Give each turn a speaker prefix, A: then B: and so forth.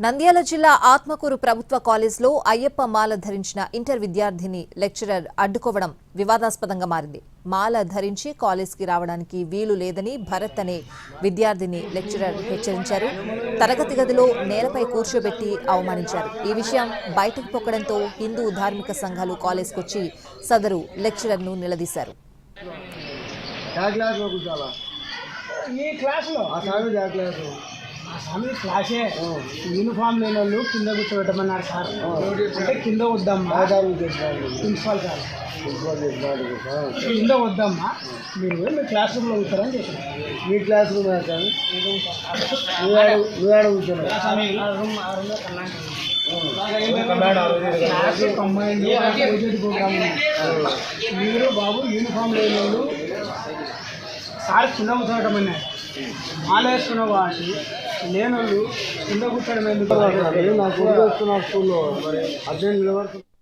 A: నంద్యాల జిల్లా ఆత్మకూరు ప్రభుత్వ కాలేజ్లో అయ్యప్ప మాల ధరించిన ఇంటర్ విద్యార్థిని లెక్చరర్ అడ్డుకోవడం వివాదాస్పదంగా మారింది. మాల ధరించి కాలేజ్కి రావడానికి వీలు లేదని భరత్ అనే విద్యార్థిని లెక్చరర్ హెచ్చరించారు. తరగతి గదిలో నేలపై కూర్చోబెట్టి అవమానించారు. ఈ విషయం బయటకు పొక్కడంతో హిందూ ధార్మిక సంఘాలు కాలేజ్కొచ్చి సదరు లెక్చరర్ను నిలదీశారు.
B: క్లాసే యూనిఫామ్ లేని వాళ్ళు కింద కూర్చోబెట్టమన్నారు సార్. అంటే కింద వద్దమ్మా ప్రిన్సిపాల్ సార్, కింద వద్దమ్మా, మీరు మీ క్లాస్ రూమ్లో కూర్చోరని చెప్పారు.
C: మీ క్లాస్ రూమ్
B: మీరు బాబు యూనిఫామ్ లేని వాళ్ళు సార్ కింద కూర్చోబెట్టమన్నారు. మాల వేసుకున్న వాటి లేనోళ్ళు కింద కూర్చోడం ఎందుకు?
C: నాకు స్కూల్లో 18 నిలబడుతుంది.